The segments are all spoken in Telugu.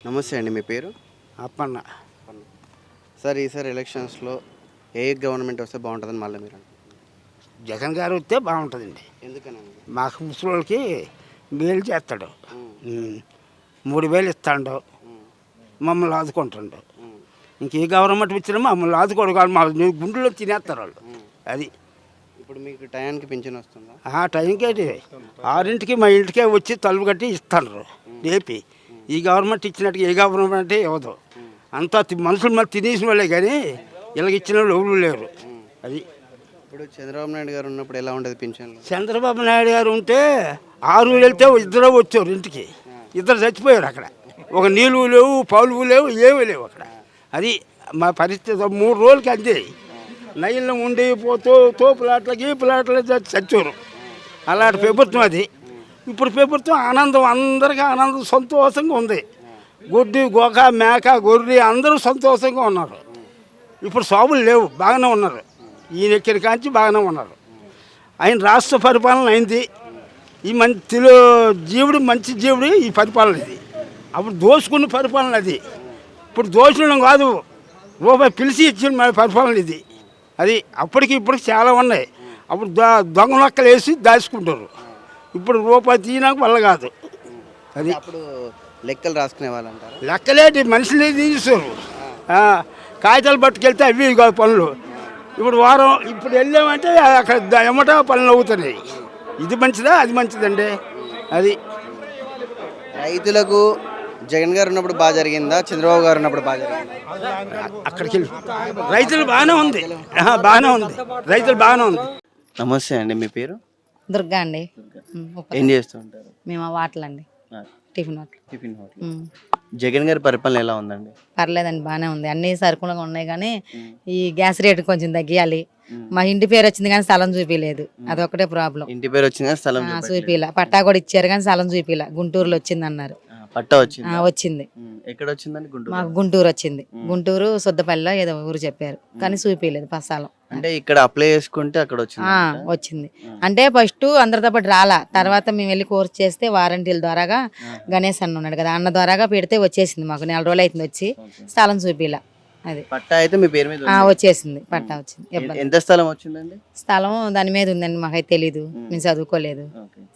నమస్తే అండి. మీ పేరు? అప్పన్న. సార్ ఈసారి ఎలక్షన్స్లో ఏ గవర్నమెంట్ వస్తే బాగుంటుందని మళ్ళీ మీరు అనుకుంటున్నారు? జగన్ గారు వస్తే బాగుంటుందండి. ఎందుకనండి? మాకు ముసలోళ్ళకి మేలు చేస్తాడు. 3000 ఇస్తాడు, మమ్మల్ని ఆదుకుంటాడు. ఇంక ఏ గవర్నమెంట్ ఇచ్చినా మమ్మల్ని ఆదుకోడు కాదు, మా గుండెలో తినేస్తారు వాళ్ళు. అది ఇప్పుడు మీకు టయానికి పింఛన్ వస్తుందా? ఆ టైంకి 6ంటికి మా ఇంటికే వచ్చి తలుపు కట్టి ఇస్తాడు రేపి. ఈ గవర్నమెంట్ ఇచ్చినట్టుగా ఏ గవర్నమెంట్ ఇవ్వదు. అంతా మనుషులు మళ్ళీ తినేసిన వాళ్ళే కానీ ఇలాగ ఇచ్చిన వాళ్ళు ఎవరు లేరు. అది ఇప్పుడు చంద్రబాబు నాయుడు గారు ఉన్నప్పుడు ఎలా ఉండేది పింఛన్లు? చంద్రబాబు నాయుడు గారు ఉంటే 6 వెళ్తే ఇద్దరు వచ్చారు ఇంటికి, ఇద్దరు చచ్చిపోయారు అక్కడ. ఒక నీళ్ళు లేవు, పౌలు లేవు, ఏమీ లేవు అక్కడ. అది మా పరిస్థితి. 3 రోజులకి అంతే. నైల్లో ఉండి పోతూ తోపులాట్లకి ప్లాట్ల చచ్చారు. అలాంటి ప్రభుత్వం అది. ఇప్పుడు ప్రభుత్వం ఆనందం, అందరికీ ఆనందం, సంతోషంగా ఉంది. గొడ్డు గోక మేక గొర్రె అందరూ సంతోషంగా ఉన్నారు. ఇప్పుడు సాగులు లేవు, బాగానే ఉన్నారు. ఈయన ఎక్కిన కాంచి బాగానే ఉన్నారు. ఆయన రాష్ట్ర పరిపాలన అయింది. ఈ జీవుడు మంచి జీవుడు ఈ పరిపాలన ఇది. అప్పుడు దోచుకున్న పరిపాలన అది. ఇప్పుడు దోచుకోవడం కాదు, రూపాయి పిలిచి ఇచ్చిన పరిపాలన ఇది. అది అప్పటికి ఇప్పటికి చాలా ఉన్నాయి. అప్పుడు దొంగ నక్కలు వేసి దాచుకుంటారు. ఇప్పుడు రూపాయి తీయడానికి వల్ల కాదు. అది అప్పుడు లెక్కలు రాసుకునే వాళ్ళంటారు. లెక్కలేటి మనుషులే తీస్తారు. కాగితాలు పట్టుకెళ్తే అవి కాదు పనులు. ఇప్పుడు వారం ఇప్పుడు వెళ్ళామంటే అక్కడ ఎమ్మట పనులు అవుతున్నాయి. ఇది మంచిదా అది మంచిదండి. అది రైతులకు జగన్ గారు ఉన్నప్పుడు బాగా జరిగిందా, చంద్రబాబు గారు ఉన్నప్పుడు బాగా జరిగిందా? అక్కడికి వెళ్ళి రైతులు బాగానే ఉంది, బాగానే ఉంది, రైతులు బాగానే ఉంది. నమస్తే అండి. మీ పేరు? దుర్గా అండి. ఏం చేస్తూ ఉంటారు? మేము వాటలండి, టిఫిన్ హోటల్. Tiffin hotel. జగన్ గారి పరిపాలన ఎలా ఉందండి? పర్లేదండి, బాగానే ఉంది. అన్ని సరుకులుగా ఉన్నాయి కానీ ఈ గ్యాస్ రేటు కొంచెం తగ్గియాలి. మా ఇంటి పేరు వచ్చింది కానీ స్థలం చూపించలేదు, అదొకటే ప్రాబ్లం. ఇంటి పేరు వచ్చింది, స్థలం చూపిలా. పట్టా కూడా ఇచ్చారు కానీ స్థలం చూపిలా. గుంటూరులో వచ్చింది అన్నారు. పట్టా వచ్చింది? వచ్చింది. ఎక్కడ వచ్చిందండి? మాకు గుంటూరు వచ్చింది. గుంటూరు శుద్ధపల్లిలో ఏదో ఊరు చెప్పారు కానీ చూపించలేదు స్థలం. అంటే ఇక్కడ అప్లై చేసుకుంటే అక్కడ వచ్చింది. అంటే ఫస్ట్ అందరితో పాటు రాలా, తర్వాత మేము వెళ్ళి కోర్స్ చేస్తే వారంటీల ద్వారాగా గణేష్ అన్న ఉన్నాడు కదా, అన్న ద్వారాగా పెడితే వచ్చేసింది. మాకు 4 రోజులు అవుతుంది వచ్చి, స్థలం చూపిలా. అది పట్టా అయితే మీ పేరు మీద వచ్చేసింది. పట్టా వచ్చింది. ఎంత స్థలం వచ్చిందండి? స్థలం దాని మీద ఉందండి, మాకైతే తెలీదు, మేము చదువుకోలేదు.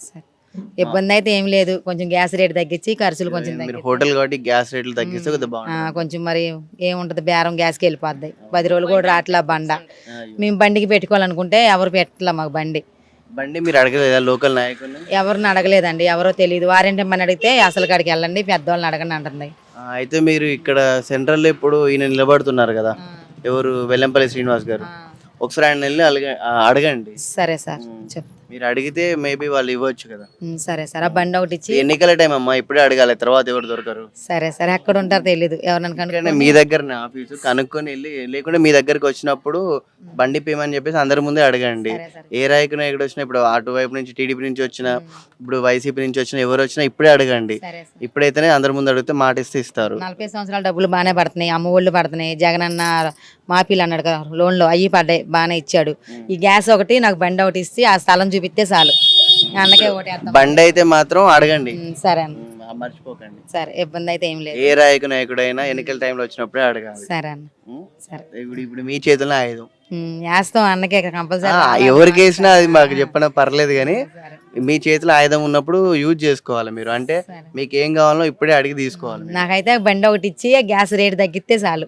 ఇబ్బంది అయితే ఏం లేదు. కొంచెం గ్యాస్ రేట్ తగ్గించి ఖర్చులు కొంచెం హోటల్ కాబట్టి గ్యాస్ రేట్లు తగ్గిస్తే కొంచెం మరి ఏముంటది, బేరం గ్యాస్కి వెళ్ళిపోద్ది. 10 రోజులు కూడా రాట్లా బండ. మేము బండికి పెట్టుకోవాలనుకుంటే ఎవరు పెట్టలే మాకు బండి. మీరు అడగలేదా లోకల్ నాయకులు? ఎవరిని అడగలేదండి, ఎవరో తెలియదు. వారంటీ మన అడిగితే అసలు కాడికి వెళ్ళండి, పెద్దవాళ్ళని అడగండి అంటుంది. అయితే మీరు ఇక్కడ సెంట్రల్ లో ఇప్పుడు ఈయన నిలబడుతున్నారు కదా, ఎవరు, వెల్లంపల్లి శ్రీనివాస్ గారు, ఒకసారి ఆయన వెళ్ళి అడగండి. సరే సార్, చెప్పు. మీరు అడిగితే మేబీ వాళ్ళు ఇవ్వచ్చు కదా. సరే సార్, ఆ బండి ఒకటి ఇచ్చి. ఎన్నికల టైం అమ్మా, ఇప్పుడే అడగాలి, తర్వాత ఎవరు దొరకరు. సరే సరే, ఎక్కడ ఉంటారో తెలీదు, ఎవరిని మీ దగ్గర ఆఫీసు కనుక్కొని వెళ్ళి, లేకుంటే మీ దగ్గరకు వచ్చినప్పుడు బండి పేమని చెప్పేసి అందరి ముందే అడగండి. ఏ రాయకున ఎక్కడ వచ్చినా, ఇప్పుడు అటువైపు నుంచి టీడీపీ నుంచి వచ్చినా, ఇప్పుడు వైసీపీ నుంచి వచ్చినా, ఎవరు వచ్చినా ఇప్పుడే అడగండి. ఇప్పుడైతేనే అందరి ముందు అడిగితే మాట ఇస్తే ఇస్తారు. 40 సంవత్సరాల డబ్బులు బాగానే పడుతున్నాయి, అమ్మ ఒళ్ళు పడుతున్నాయి. జగన్ అన్న మాఫీలు అన్నాడు కదా, లోన్లో అయ్యి పడ్డాయి, బాగానే ఇచ్చాడు. ఈ గ్యాస్ ఒకటి నాకు బండి ఒకటి ఇచ్చి ఆ స్థలం చూపిస్తే చాలు, అన్నకే ఓటేస్తాం. బండి అయితే మాత్రం అడగండి. సరే అన్న, మర్చిపోకండి. సరే, ఇబ్బంది అయితే ఏం లేదు. ఏ రాయకు నాయకుడైనా ఎన్నికల టైంలో వచ్చినప్పుడే అడగాలి. సరే అన్న, సరే. ఇప్పుడు మీ చేతుల్లో ఆయుధం వేస్తాం, అన్నకే కంపల్సరీ. ఎవరికి వేసినా అది మాకు చెప్పినా పర్లేదు, కానీ మీ చేతిలో ఆయుధం ఉన్నప్పుడు యూజ్ చేసుకోవాలి మీరు. అంటే మీకు ఏం కావాలో ఇప్పుడే అడిగి తీసుకోవాలి. నాకైతే బండి ఒకటి ఇచ్చి గ్యాస్ రేట్ తగ్గిస్తే చాలు.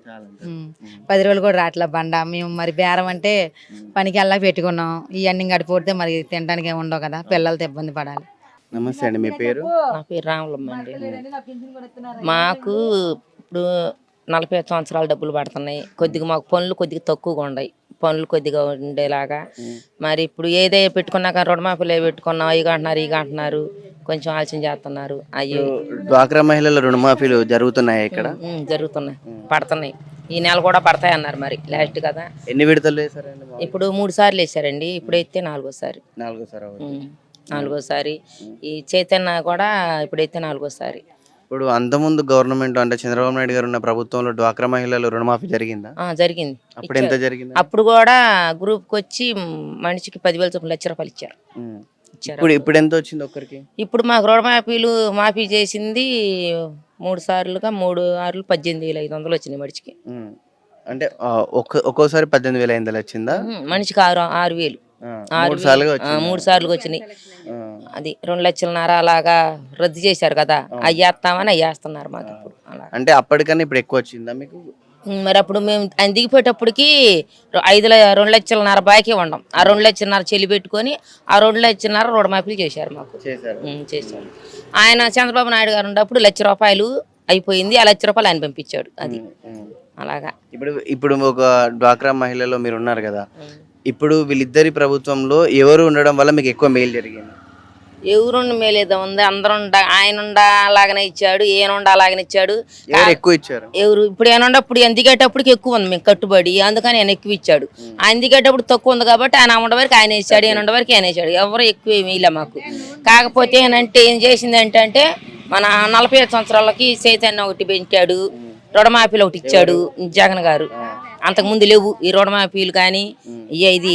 10 రోజులు కూడా రాట్లా బండ. మేము మరి బేరం అంటే పనికి వెళ్ళా పెట్టుకున్నాం. ఇవన్నీ గడిపోతే మరి తినడానికి ఏమి ఉండవు కదా, పిల్లలతో ఇబ్బంది పడాలి. నమస్తే అండి. మీ పేరు? నా పేరు రాములమ్మ అండి. మాకు ఇప్పుడు 45 సంవత్సరాల డబ్బులు పడుతున్నాయి. కొద్దిగా మాకు పనులు కొద్దిగా తక్కువగా ఉన్నాయి, పనులు కొద్దిగా ఉండేలాగా. మరి ఇప్పుడు ఏదే పెట్టుకున్నాక రుణమాఫీలు పెట్టుకున్నాం, ఇక అంటున్నారు, కొంచెం ఆలోచన చేస్తున్నారు. అయ్యో, డ్వాక్రా మహిళల రుణమాఫీలు జరుగుతున్నాయి ఇక్కడ? జరుగుతున్నాయి, పడుతున్నాయి. ఈ నెల కూడా పడతాయి అన్నారు, మరి లాస్ట్ కదా. ఎన్ని విడతలు వేసారండి? ఇప్పుడు 3 సార్లు వేసారండి, ఇప్పుడైతే 4వసారి. 4వసారి. ఈ చైతన్య కూడా ఇప్పుడైతే 4వసారి. ఇప్పుడు అంతకుముందు గవర్నమెంట్ అంటే చంద్రబాబు నాయుడు గారు ఉన్న ప్రభుత్వంలో డ్వాక్రా మహిళలు రుణమాఫీ జరిగిందా? జరిగింది. అప్పుడు ఎంత జరిగింది? అప్పుడు కూడా గ్రూప్కి వచ్చి మనిషికి 10,000 చొప్పున ₹1,00,000 ఇచ్చారు. ఇప్పుడు ఎంత వచ్చింది ఒక్కరికి? ఇప్పుడు మాకు రుణమాఫీలు మాఫీ చేసింది 3 సార్లుగా 3 ఆరులు 18,500 వచ్చినాయి మడిచికి. అంటే ఒక్కోసారి 18,500 వచ్చిందా? మనిషికి 6,000 3 సార్లుగా 3 సార్లుగా వచ్చినాయి. అది 2 లక్షలన్నర అలాగా రద్దు చేశారు కదా, అయ్యేస్తామని అయ్యేస్తున్నారు మాకు ఇప్పుడు అలా. అంటే అప్పటికన్నా ఇప్పుడు ఎక్కువ వచ్చిందా మీకు? మరి అప్పుడు మేము ఆయన దిగిపోయేటప్పటికి 2 లక్షలన్నర బాకీ ఉండం. ఆ 2 లక్షలన్నర చెల్లి పెట్టుకొని ఆ 2 లక్షలన్నర రుణమాఫీలు చేశారు మాకు. చేశారు. ఆయన చంద్రబాబు నాయుడు గారు ఉన్నప్పుడు ₹1,00,000 అయిపోయింది. ఆ ₹1,00,000 ఆయన పంపించాడు. అది అలాగా. ఇప్పుడు ఒక డ్వాక్రా మహిళలో మీరు ఉన్నారు కదా, ఇప్పుడు వీళ్ళిద్దరి ప్రభుత్వంలో ఎవరు ఉండడం వల్ల మీకు ఎక్కువ మేలు జరిగింది? ఎవరుండి మేలేదో ఉంది, అందరూ ఆయన అలాగనే ఇచ్చాడు, ఈయన అలాగనే ఇచ్చాడు. ఎక్కువ ఇచ్చారు ఎవరు ఇప్పుడు ఏమన్నా ఇప్పుడు ఆయన దిగేటప్పటికి ఎక్కువ ఉంది మేము కట్టుబడి, అందుకని ఆయన ఎక్కువ ఇచ్చాడు. ఆయన దిగేటప్పుడు తక్కువ ఉంది కాబట్టి ఆయన ఉండే వరకు ఆయన ఇచ్చాడు, ఈయన ఉండే వరకు ఆయన ఇచ్చాడు. ఎవరు ఎక్కువ ఏమి ఇలా మాకు. కాకపోతే ఏనంటే ఏం చేసింది ఏంటంటే మన 45 సంవత్సరాలకి చైతన్య ఒకటి పెంచాడు, రుణమాఫీలు ఒకటి ఇచ్చాడు జగన్ గారు. అంతకుముందు లేవు ఈ రుణమాఫీలు కానీ ఇది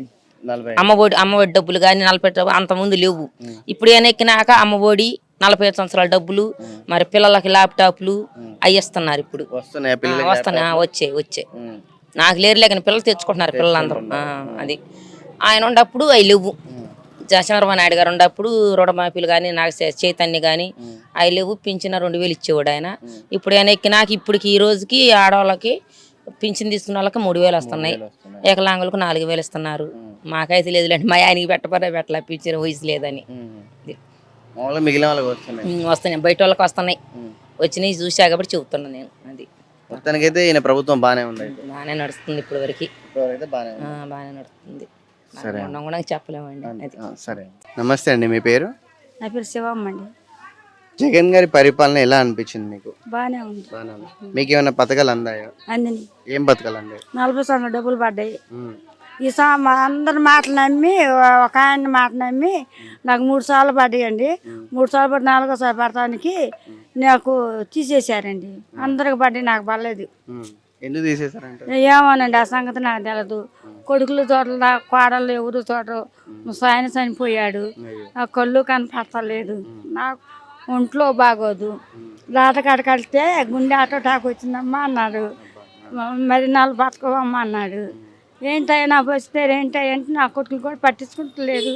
అమ్మఒడి డబ్బులు కానీ 40 అంతకుముందు లేవు. ఇప్పుడు ఏమైనా ఎక్కినాక అమ్మఒడి 45 సంవత్సరాల డబ్బులు, మరి పిల్లలకి ల్యాప్టాప్లు అవి ఇస్తున్నారు. ఇప్పుడు వస్తున్నాయి వచ్చాయి. నాకు లేరులే కానీ పిల్లలు తెచ్చుకుంటున్నారు పిల్లలందరూ. అది ఆయన ఉన్నప్పుడు అవి లేవు. చంద్రబాబు నాయుడు గారు ఉన్నప్పుడు రుణమాఫీలు కానీ నాకు చైతన్య కానీ అవి లేవు. పింఛన 2,000 ఇచ్చేవాడు ఆయన. ఇప్పుడు ఆయన ఎక్కినాక ఇప్పటికి ఈ రోజుకి ఆడవాళ్ళకి పింఛన్ తీసుకున్న వాళ్ళకి 3,000 వస్తున్నాయి, ఏకలాంగులకు 4,000 ఇస్తున్నారు. మాకైతే లేదులేండి, మా ఆయనకి పెట్టలే పింఛన్ వయసు లేదని. మిగిలిన వాళ్ళకి వస్తున్నాయి, బయట వాళ్ళకి వస్తున్నాయి. వచ్చినాయి చూసా కాబట్టి చెబుతున్నా నేను. అది మొత్తానికైతే ఈయన ప్రభుత్వం బాగానే ఉంది, బాగానే నడుస్తుంది ఇప్పటి వరకు, బాగానే నడుస్తుంది. కూడా చెప్పలేమండి. అది సరే. నమస్తే అండి, మీ పేరు? నా పేరు శివమ్మ అండి. జగన్ గారి పరిపాలన ఎలా అనిపించింది మీకు? బాగానే ఉంది. మీకు ఏమైనా పథకాలు అందాయా? అందిని. ఏం పథకాలు అందాయి? 40 సంవత్సరాలు డబ్బులు పడ్డాయి. ఈ అందరి మాటలు నమ్మి ఒక ఆయన మాట నమ్మి నాకు 3 సార్లు పడ్డాయండి. 3 సార్లు పడి 4వ పడటానికి నాకు తీసేశారండి. అందరికి పడ్డాయి, నాకు పడలేదు. ఎందుకు తీసేశారంటే ఏమోనండి, ఆ సంగతి నాకు తెలియదు. కొడుకులు చోట్ల కోడళ్ళు ఎవరు చూడరు. ఆయన చనిపోయాడు, నా కళ్ళు కనపడతలేదు, నాకు ఒంట్లో బాగోదు. లాటకాడికి వెళ్తే గుండె అటాక్ వచ్చిందమ్మా అన్నాడు. మరి 4 బతకవమ్మా అన్నాడు. ఏంటయ్యా వస్తే ఏంటంటే నా కొడుకులు కూడా పట్టించుకుంటలేదు.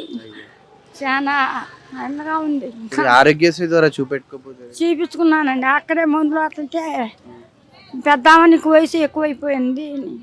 చాలా అందంగా ఉంది. ఆరోగ్యశ్రీ ద్వారా చూపించుకున్నానండి. అక్కడే మందులు అట్లంటే పెద్దామ నీకు వయసు ఎక్కువైపోయింది,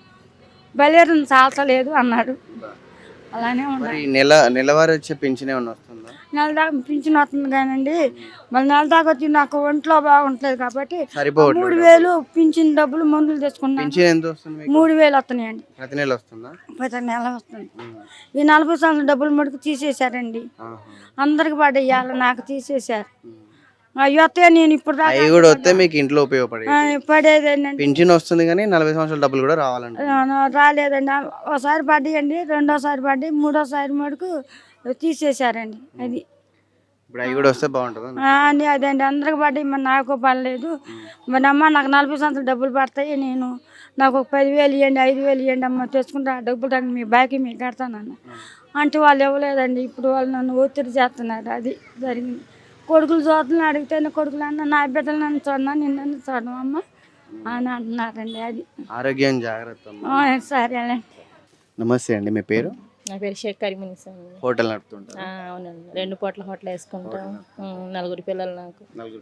బలేరు చాలతలేదు అన్నాడు. అలానే ఉన్నాయి. నెలవారీ వచ్చే పింఛన్ ఏమన్నా వస్తుందా? నెల దాకా పింఛన్ వస్తుంది కానండి, మళ్ళీ నెల దాకా వచ్చి నాకు ఒంట్లో బాగుంటలేదు కాబట్టి 3,000 పింఛన్ డబ్బులు మందులు తెచ్చుకున్నాను. 3,000 వస్తున్నాయండి. ప్రతి నెల వస్తుందా? ప్రతి నెల వస్తుంది. ఈ 40 సంవత్సరాల డబ్బులు మటుకు తీసేశారండి. అందరికి పడేయాలి, నాకు తీసేశారు. అయ్యో నేను ఇప్పుడు కూడా వస్తే మీకు ఇంట్లో పడేదండి. పింఛన్ వస్తుంది కానీ 40 సంవత్సరాల డబ్బులు కూడా రావాలండి. రాలేదండి. ఒకసారి పడ్డాయండి, రెండోసారి పడ్డాయి, మూడోసారి మటుకు తీసేశారండి. అది ఇప్పుడు అవి కూడా వస్తే బాగుంటుంది అదండి. అందరికి పడ్డాయి, మరి నాకు పడలేదు. మరి అమ్మ నాకు 40 సంవత్సరాలు డబ్బులు పడతాయి, నేను నాకు ఒక 10,000 ఇవ్వండి, 5,000 ఇవ్వండి అమ్మ, తెచ్చుకుంటా ఆ డబ్బులు దాన్ని మీ బాకీ మీకు కడతానన్న అంటే వాళ్ళు ఇవ్వలేదండి. ఇప్పుడు వాళ్ళు నన్ను ఒత్తిడి చేస్తున్నారు. అది జరిగింది. కొడుకులు చూడని అడిగితే కొడుకులు అన్న నా బిడ్డలు నన్ను చూడనా, నిన్ను చూడడం అమ్మ అని అంటున్నారండి. అది ఆరోగ్యం జాగ్రత్త. సరేనండి. నమస్తే అండి, మీ పేరు? నా పేరు షేక్ కరీమునిసా. హోటల్ నడుపుతుంటా? అవునండి, 2 పూట్ల హోటల్ వేసుకుంటాం. 4 పిల్లలు నాకు.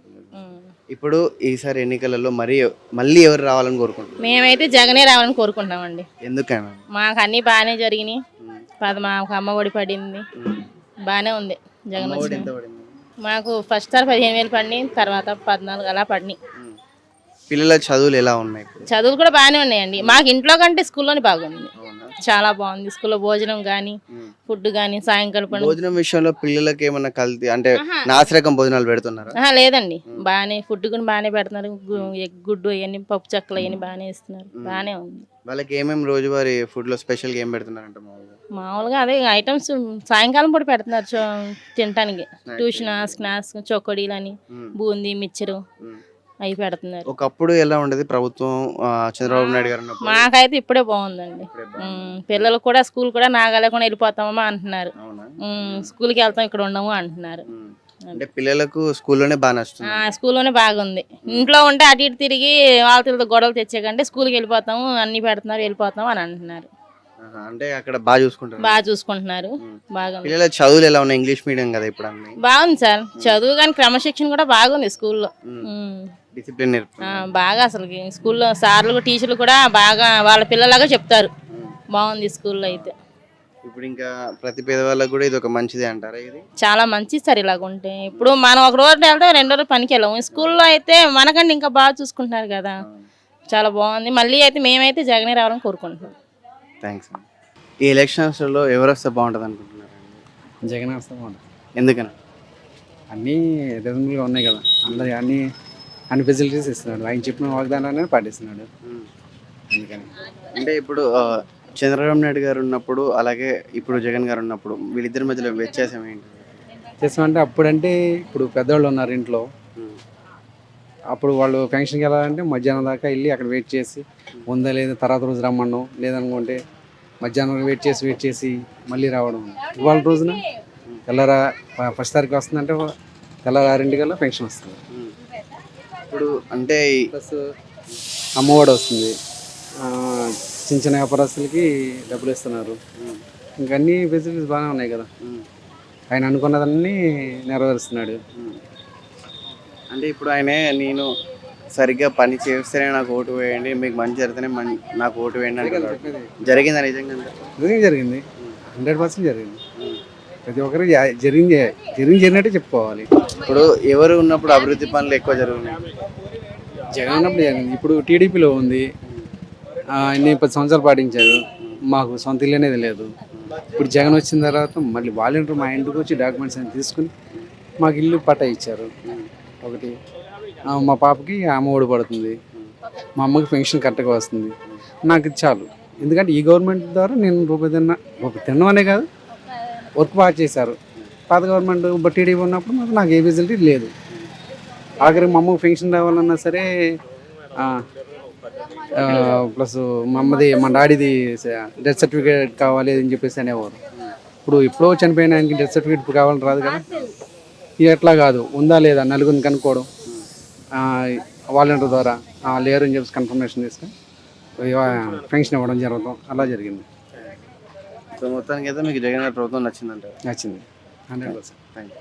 ఇప్పుడు ఈసారి ఎన్నికలలో మళ్ళీ ఎవరు రావాలని కోరుకుంటున్నాం? మేమైతే జగనే రావాలని కోరుకుంటామండి. ఎందుకని? మాకు అన్ని బాగానే జరిగినాయి. మాకు అమ్మ ఒడి పడింది, బాగానే ఉంది. జగన్ మాకు ఫస్ట్ సార్ 15,000 పడినాయి, తర్వాత 14 అలా పడినాయి. పిల్లల చదువులు ఎలా ఉన్నాయి? చదువులు కూడా బాగానే ఉన్నాయండి. మాకు ఇంట్లో కంటే స్కూల్లోనే బాగుంది, చాలా బాగుంది. స్కూల్లో భోజనం కానీ ఫుడ్ కానీ సాయంకాలం భోజనం విషయంలో పిల్లలకి ఏమన్నా కల్తీ అంటే నాసిరకం భోజనాలు పెడుతున్నారా? లేదండి, బాగానే ఫుడ్ కూడా బాగానే పెడుతున్నారు. గుడ్డు అవన్నీ పప్పు చెక్కలు అవన్నీ బాగానే ఇస్తున్నారు, బాగానే ఉంది. వాళ్ళకి ఏమేమి రోజువారీ ఫుడ్ లో స్పెషల్ ఏం పెడుతున్నారంట? మామూలుగా అదే ఐటమ్స్ సాయంకాలం పూట పెడుతున్నారు తినడానికి. ట్యూషన్ స్నాక్స్, చొక్కడీలు అని, బూందీ, మిక్చరు అవి పెడుతున్నారు. ఒకప్పుడు ఎలా ఉండేది ప్రభుత్వం చంద్రబాబు నాయుడు గారు? మాకైతే ఇప్పుడే బాగుందండి. పిల్లలు కూడా స్కూల్ కూడా నాగలేకుండా వెళ్ళిపోతామా అంటున్నారు. స్కూల్కి వెళ్తాం, ఇక్కడ ఉండము అంటున్నారు. అంటే పిల్లలకు స్కూల్లోనే బాగా నచ్చుతుంది. స్కూల్లోనే బాగుంది. ఇంట్లో ఉంటే అటు ఇటు తిరిగి వాళ్ళతో గొడవలు తెచ్చే కంటే స్కూల్కి వెళ్ళిపోతాము, అన్ని పెడుతున్నారు, వెళ్ళిపోతాం అని అంటున్నారు. అంటే అక్కడ బాగా చూసుకుంటారు. బాగా చూసుకుంటున్నారు. బాగుంది. పిల్లల చదువులు ఎలా ఉన్నాయి? ఇంగ్లీష్ మీడియం కదా ఇప్పుడు అన్ని. బాగుంది సార్ చదువు, కానీ క్రమశిక్షణ కూడా బాగుంది స్కూల్లో. డిసిప్లిన్ బాగా అసలు స్కూల్లో సార్లు టీచర్లు కూడా బాగా వాళ్ళ పిల్లలాగా చెప్తారు. బాగుంది స్కూల్లో అయితే. ఇప్పుడు ఇంకా ప్రతి పేదవాళ్ళకి కూడా ఇది ఒక మంచిదే అంటారా? ఇది చాలా మంచిది సార్ ఇలాగ ఉంటే. ఇప్పుడు మనం ఒక రోజు వెళ్తే 2 రోజులు పనికి వెళ్ళాము. స్కూల్లో అయితే మనకంటే ఇంకా బాగా చూసుకుంటున్నారు కదా, చాలా బాగుంది. మళ్ళీ అయితే మేమైతే జగనే రావాలని కోరుకుంటున్నాం. థ్యాంక్స్. ఈ ఎలక్షన్స్లో ఎవరు వస్తే బాగుంటుంది అనుకుంటున్నారు? జగన్ వస్తే బాగుంటుంది. ఎందుకని? అన్నీ రీజనబుల్గా ఉన్నాయి కదా, అందరి అన్ని ఫెసిలిటీస్ ఇస్తున్నాడు. ఆయన చెప్పిన వాగ్దానాన్ని పాటిస్తున్నాడు. అందుకని అంటే ఇప్పుడు చంద్రబాబు నాయుడు గారు ఉన్నప్పుడు అలాగే ఇప్పుడు జగన్ గారు ఉన్నప్పుడు వీళ్ళిద్దరి మధ్యలో వ్యత్యాసం ఏంటి? చేస్తామంటే అప్పుడంటే ఇప్పుడు పెద్దవాళ్ళు ఉన్నారు ఇంట్లో, అప్పుడు వాళ్ళు ఫంక్షన్కి వెళ్ళాలంటే మధ్యాహ్నం దాకా వెళ్ళి అక్కడ వెయిట్ చేసి ఉందా లేదా తర్వాత రోజు రమ్మడం, లేదనుకుంటే మధ్యాహ్నం వెయిట్ చేసి మళ్ళీ రావడం. ఇవాళ రోజున తెల్లరా ఫస్ట్ తారీఖు వస్తుందంటే తెల్లర 6 ఫంక్షన్ వస్తుంది. ఇప్పుడు అంటే ప్లస్ అమ్మఒడి వస్తుంది, చిన్న చిన్న వ్యాపారస్తులకి డబ్బులు ఇస్తున్నారు. ఇంకా అన్ని ఫెసిలిటీస్ బాగానే ఉన్నాయి కదా, ఆయన అనుకున్నదన్నీ నెరవేరుస్తున్నాడు. అంటే ఇప్పుడు ఆయనే నేను సరిగ్గా పని చేస్తేనే నాకు ఓటు వేయండి, మీకు మంచి జరిగితేనే నాకు ఓటు వేయండి అని జరిగిందా? నిజంగా జరిగింది, 100% జరిగింది. ప్రతి ఒక్కరు జరిగినట్టే చెప్పుకోవాలి. ఇప్పుడు ఎవరు ఉన్నప్పుడు అభివృద్ధి పనులు ఎక్కువ జరుగుతున్నాయి? జగన్ ఉన్నప్పుడు జరిగింది. ఇప్పుడు టీడీపీలో ఉంది, అన్ని 10 సంవత్సరాలు పాటించారు, మాకు సొంత ఇల్లు అనేది లేదు. ఇప్పుడు జగన్ వచ్చిన తర్వాత మళ్ళీ వాలంటీర్ మా ఇంటికి వచ్చి డాక్యుమెంట్స్ అన్ని తీసుకుని మాకు ఇల్లు పట్టా ఇచ్చారు. ఒకటి మా పాపకి అమ్మఒడి పడుతుంది, మా అమ్మకి పెన్షన్ కరెక్ట్గా వస్తుంది. నాకు ఇది చాలు. ఎందుకంటే ఈ గవర్నమెంట్ ద్వారా నేను రూపాయి తినడం అనే కాదు, వర్క్ బాగా చేశారు. పాత గవర్నమెంట్ టీడీపీ ఉన్నప్పుడు నాకు ఏ ఫెసిలిటీ లేదు. ఆఖరికి మా అమ్మకి పెన్షన్ రావాలన్నా సరే, ప్లస్ మా డాడీది డెత్ సర్టిఫికేట్ కావాలి అని చెప్పేసి అనేవారు. ఇప్పుడు ఎప్పుడో చనిపోయిన ఆయనకి డెత్ సర్టిఫికేట్ కావాలని రాదు కదా. ఇది ఎట్లా కాదు, ఉందా లేదా నలుగురిని కనుక్కోవడం, వాలంటీర్ ద్వారా లేరు అని చెప్పేసి కన్ఫర్మేషన్ తీసుకొని పెన్షన్ ఇవ్వడం జరుగుతాం, అలా జరిగింది. సో మొత్తానికి అయితే మీకు జగన్ గారి ప్రభుత్వం నచ్చిందంటారు? నచ్చింది 100%. Thank you.